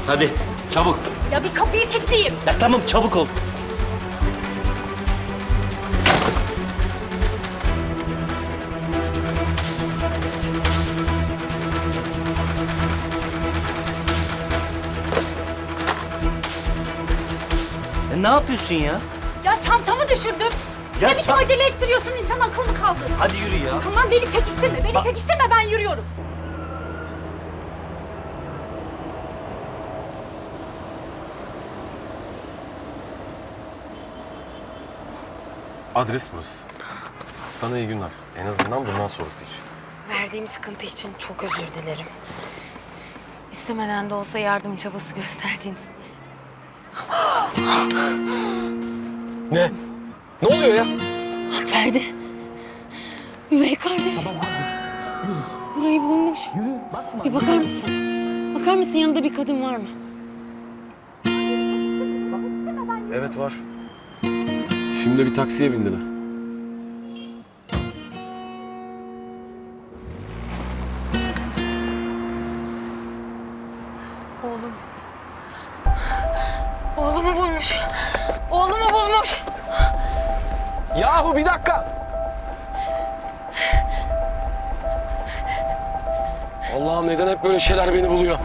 Hadi çabuk. Ya bir kapıyı kilitleyeyim. Ya tamam çabuk ol. Ne yapıyorsun ya? Ya çantamı düşürdüm. Ya Ne biçim acele ettiriyorsun, insan akıl mı kaldı? Hadi yürü ya. Tamam beni çekiştirme, çekiştirme, ben yürüyorum. Adres burası. Sana iyi günler. En azından bundan sonrası için. Verdiğim sıkıntı için çok özür dilerim. İstemeden de olsa yardım çabası gösterdiğiniz. Ne? Ne oluyor ya? Ferdi. Üvey kardeş. Burayı bulmuş. Bir bakar mısın? Bakar mısın yanında bir kadın var mı? Evet var. Şimdi bir taksiye bindiler. Oğlum. Oğlumu bulmuş. Oğlumu bulmuş. Yahu bir dakika. Allah'ım neden hep böyle şeyler beni buluyor?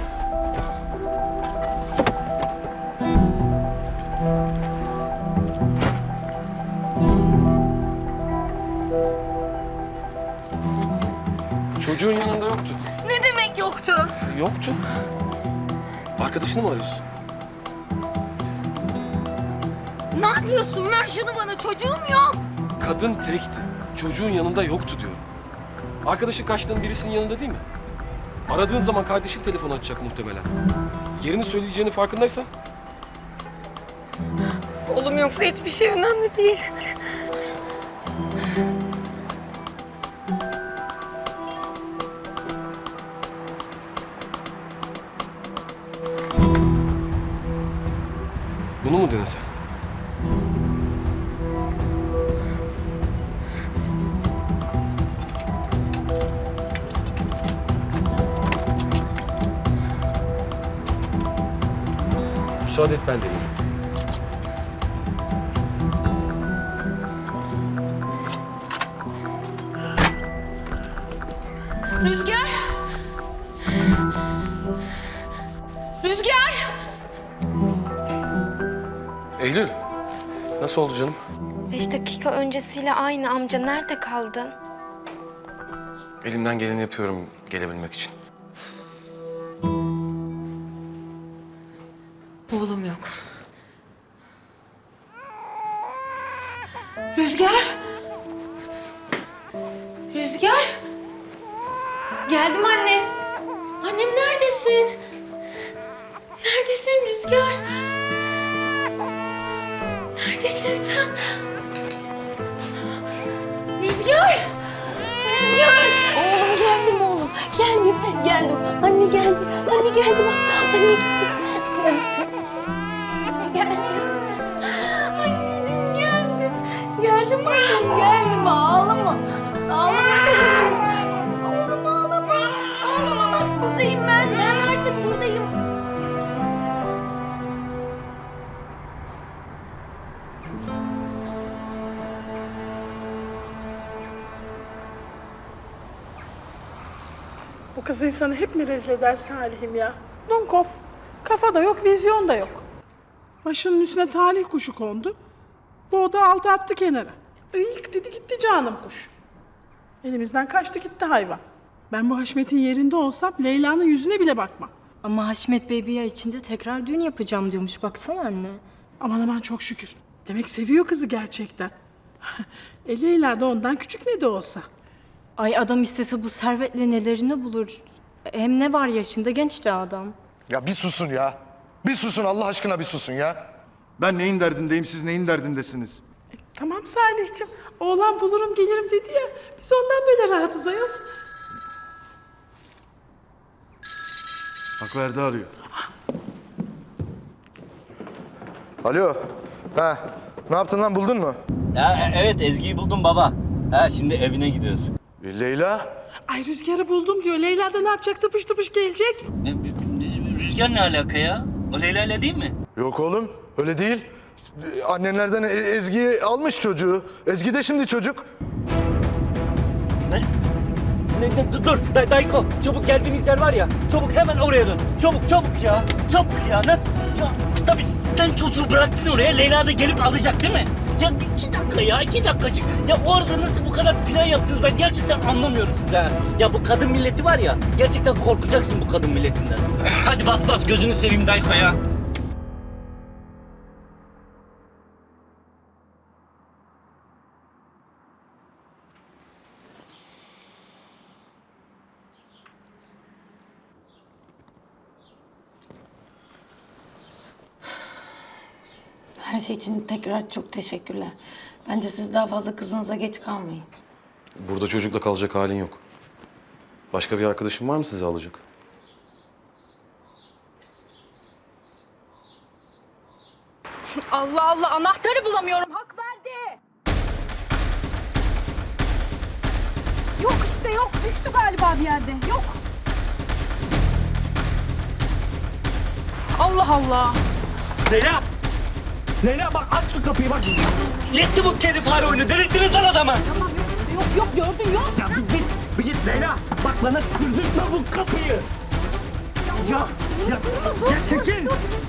Çocuğun yanında yoktu. Ne demek yoktu? Yoktu. Arkadaşını mı arıyorsun? Ne yapıyorsun? Ver şunu bana. Çocuğum yok. Kadın tekti. Çocuğun yanında yoktu diyorum. Arkadaşın kaçtığın birisinin yanında değil mi? Aradığın zaman kardeşin telefon açacak muhtemelen. Yerini söyleyeceğini farkındaysan. Oğlum yoksa hiçbir şey önemli değil. Bunu mu denesen? Müsaade et ben deneyeyim. Rüzgar! Rüzgar! Eylül, nasıl oldu canım? 5 dakika öncesiyle aynı amca. Nerede kaldın? Elimden geleni yapıyorum gelebilmek için. Oğlum yok. Rüzgar! Rüzgar! Geldim anne. Annem neredesin? Neredesin Rüzgar? Neredesin sen? Rüzgar! Rüzgar! Oğlum geldim oğlum. Geldim. Anne geldim. Anne geldim. Anne geldim. Anneciğim geldim. Geldim oğlum. Geldim. Ağlama. Ağlama dedim ben. Oğlum ağlama. Ağlama bak buradayım ben. Ben artık buradayım. Bu kız insanı hep mi rezil eder Salih'im ya? Dunkov. Kafa da yok, vizyon da yok. Başının üstüne talih kuşu kondu. Bu da aldı attı kenara. İlk dedi gitti canım kuş. Elimizden kaçtı gitti hayvan. Ben bu Haşmet'in yerinde olsam Leyla'nın yüzüne bile bakmam. Ama Haşmet Bey bir ay içinde tekrar düğün yapacağım diyormuş. Baksana anne. Aman çok şükür. Demek seviyor kızı gerçekten. Leyla da ondan küçük ne de olsa. Ay adam istese bu servetle nelerini bulur. Hem ne var yaşında genç de adam. Ya bir susun ya. Bir susun Allah aşkına bir susun ya. Ben neyin derdindeyim, siz neyin derdindesiniz? Tamam Salih'ciğim. Oğlan bulurum gelirim dedi ya. Biz ondan böyle rahatız ayol. Bak Verdi arıyor. Alo. Ha. Ne yaptın lan buldun mu? Ya evet Ezgi'yi buldum baba. Ha şimdi evine gidiyoruz. Leyla. Ay Rüzgar'ı buldum diyor. Leyla da ne yapacak? Tıpış tıpış gelecek. Rüzgar ne alaka ya? O Leyla ile değil mi? Yok oğlum öyle değil. Annenlerden Ezgi'yi almış çocuğu. Ezgi de şimdi çocuk. Dur Dayko, çabuk geldiğimiz yer var ya, çabuk hemen oraya dön. Çabuk ya, çabuk ya. Nasıl? Ya, tabii sen çocuğu bıraktın oraya, Leyla da gelip alacak değil mi? Ya 2 dakika ya, 2 dakikacık. Ya o arada nasıl bu kadar plan yaptınız ben gerçekten anlamıyorum size. Ha. Ya bu kadın milleti var ya, gerçekten korkacaksın bu kadın milletinden. Hadi bas gözünü seveyim Dayko ya. Her şey için tekrar çok teşekkürler. Bence siz daha fazla kızınıza geç kalmayın. Burada çocukla kalacak halin yok. Başka bir arkadaşın var mı sizi alacak? Allah Allah, anahtarı bulamıyorum. Hak verdi. Yok işte yok. Düştü galiba bir yerde. Yok. Allah Allah. Leyla bak aç şu kapıyı bak. Yetti bu kedi fare oyunu, delirttiniz lan adamı. Tamam yok işte yok gördün yok. Ya bir git Leyla. Bak bana kırdırtma bu kapıyı. Ya çekil.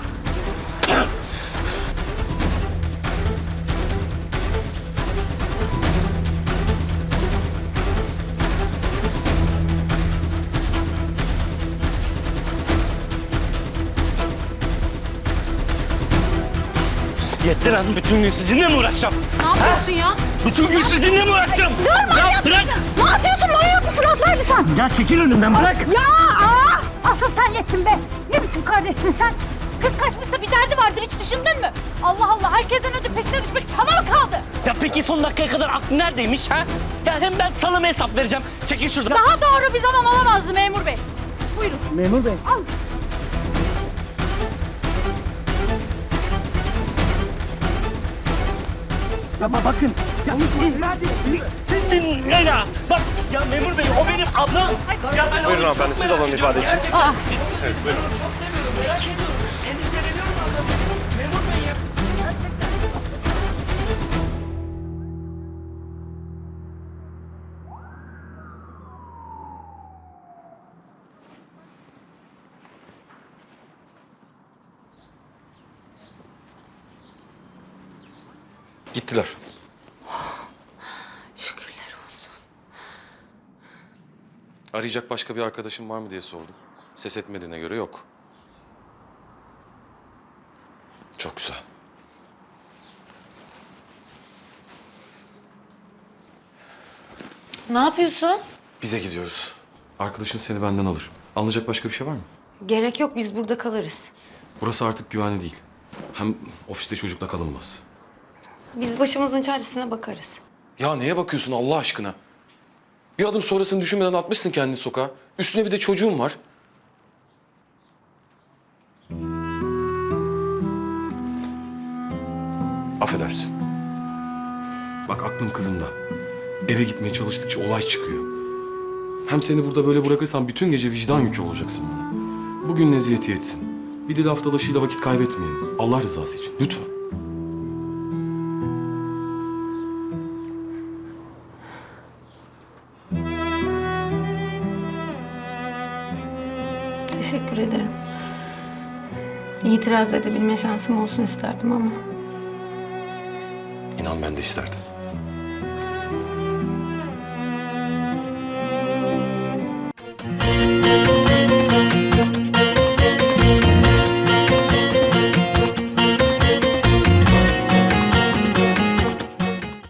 Yetti lan, bütün gün sizinle mi uğraşacağım? Ne yapıyorsun ya? Bütün gün sizinle mi uğraşacağım? Dur manyak bırak. mısın? Ne yapıyorsun manyak mısın? Atlaydı sen. Ya çekil önümden bırak. Ya asıl sen yettin be. Ne biçim kardeşsin sen? Kız kaçmışsa bir derdi vardır, hiç düşündün mü? Allah Allah, herkesten önce peşine düşmek sana mı kaldı? Ya peki son dakikaya kadar aklı neredeymiş ha? Ya hem ben sana mı hesap vereceğim? Çekil şuradan. Daha doğru bir zaman olamazdı memur bey. Buyurun. Memur bey. Al. Ya bakın. Ya hadi. Leyla. Bak ya memur bey o benim ablam. Ya ben Buyurun hanımefendi, siz alalım ifade için. Evet buyurun. Çok seviyorum. Merak ediyorum. Endişeleniyorum ablam. Memur bey ya. Gittiler. Şükürler olsun. Arayacak başka bir arkadaşın var mı diye sordum. Ses etmediğine göre yok. Çok güzel. Ne yapıyorsun? Bize gidiyoruz. Arkadaşın seni benden alır. Alınacak başka bir şey var mı? Gerek yok, biz burada kalırız. Burası artık güvenli değil. Hem ofiste çocukla kalınmaz. Biz başımızın çaresine bakarız. Ya neye bakıyorsun Allah aşkına? Bir adım sonrasını düşünmeden atmışsın kendini sokağa. Üstüne bir de çocuğun var. Affedersin. Bak aklım kızımda. Eve gitmeye çalıştıkça olay çıkıyor. Hem seni burada böyle bırakırsam bütün gece vicdan yükü olacaksın bana. Bugün neziyeti yetsin. Bir de laf dalaşıyla vakit kaybetmeyelim. Allah rızası için lütfen. Teşekkür ederim. İtiraz edebilme şansım olsun isterdim ama. İnan ben de isterdim.